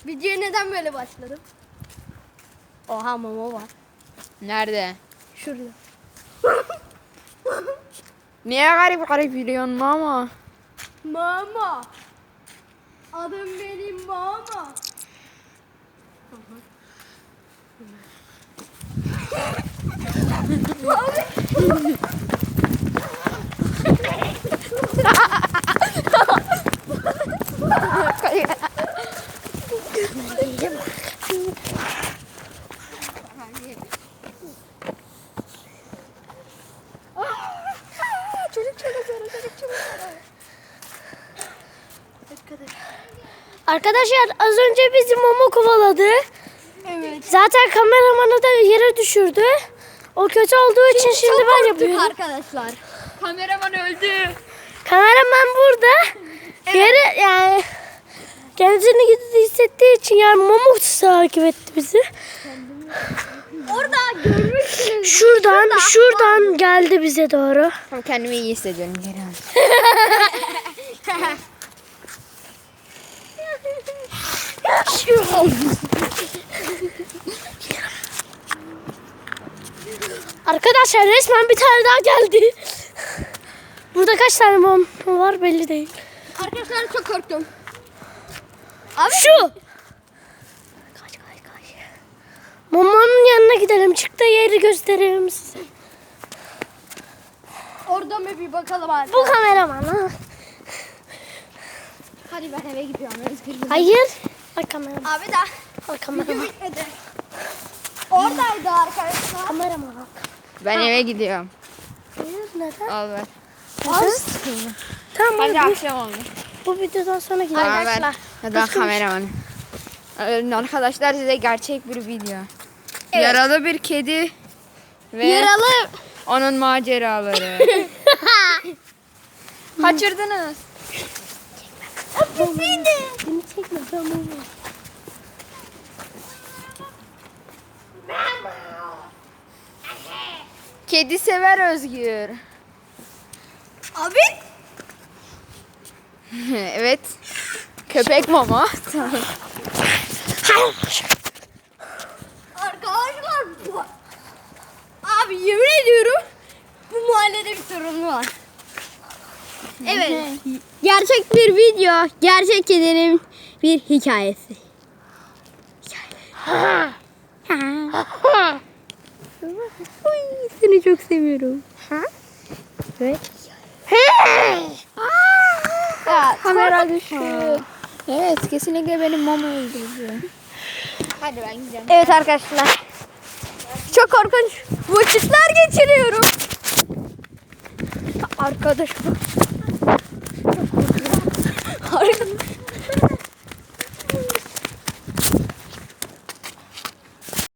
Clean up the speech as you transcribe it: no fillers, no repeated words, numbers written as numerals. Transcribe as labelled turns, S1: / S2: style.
S1: Videoya neden böyle başladım? Oha mama var.
S2: Nerede?
S1: Şurada.
S2: Niye garip garip yürüyorsun mama?
S1: Mama. Adım benim mama.
S3: Arkadaşlar az önce bizi Momo kovaladı.
S1: Evet.
S3: Zaten kameramanı da yere düşürdü. O kötü olduğu için şimdi ben yapıyorum.
S1: Arkadaşlar.
S2: Kameraman öldü.
S3: Kameraman burada. Yere yani kendisini kötü hissettiği için yani Momo takip etti bizi.
S1: Orada görmüşsünüz.
S3: Şuradan geldi bize doğru.
S2: Tam kendimi iyi hissediyorum geri al.
S3: Arkadaşlar resmen bir tane daha geldi. Burada kaç tane Momo var belli değil.
S1: Arkadaşlar çok korktum.
S3: Şu. Kaç. Momo'nun yanına gidelim. Çıktığı yeri göstereyim size.
S1: Orada mı bir bakalım abi.
S3: Bu kameraman ha.
S1: Hadi ben eve gidiyorum. Özgür.
S3: Hayır. Bak kameraman.
S1: Abi de
S3: Bak kameraman.
S1: bitmedi. Oradaydı arkadaşlar.
S3: Kameraman bak.
S2: Ben eve gidiyorum.
S3: Hayır neden?
S2: Al ver.
S3: Tamam
S2: Hadi
S3: hadi.
S2: akşam oldu.
S3: Bu videodan sonra gidelim.
S2: Tamam ver.
S3: Arkadaşlar.
S2: Hadi ben kameramanım. Arkadaşlar size gerçek bir video. Yaralı bir kedi ve
S1: Yaralı.
S2: onun maceraları. Kaçırdınız.
S3: Beni çekme ben Momo.
S2: Kedi sever Özgür.
S1: Abi.
S2: Evet. Köpek mama.
S1: Arkadaşlar. Abi yemin ediyorum. Bu mahallede bir sorun var. Evet. Gerçek bir video. Gerçek kedinin bir hikayesi. Uy, seni çok seviyorum. Evet.
S2: Kamera düştü. Evet kesinlikle benim mama öldürdü. Hadi ben gideceğim.
S1: Evet arkadaşlar. Çok korkunç vakitler geçiriyorum. Arkadaşlar.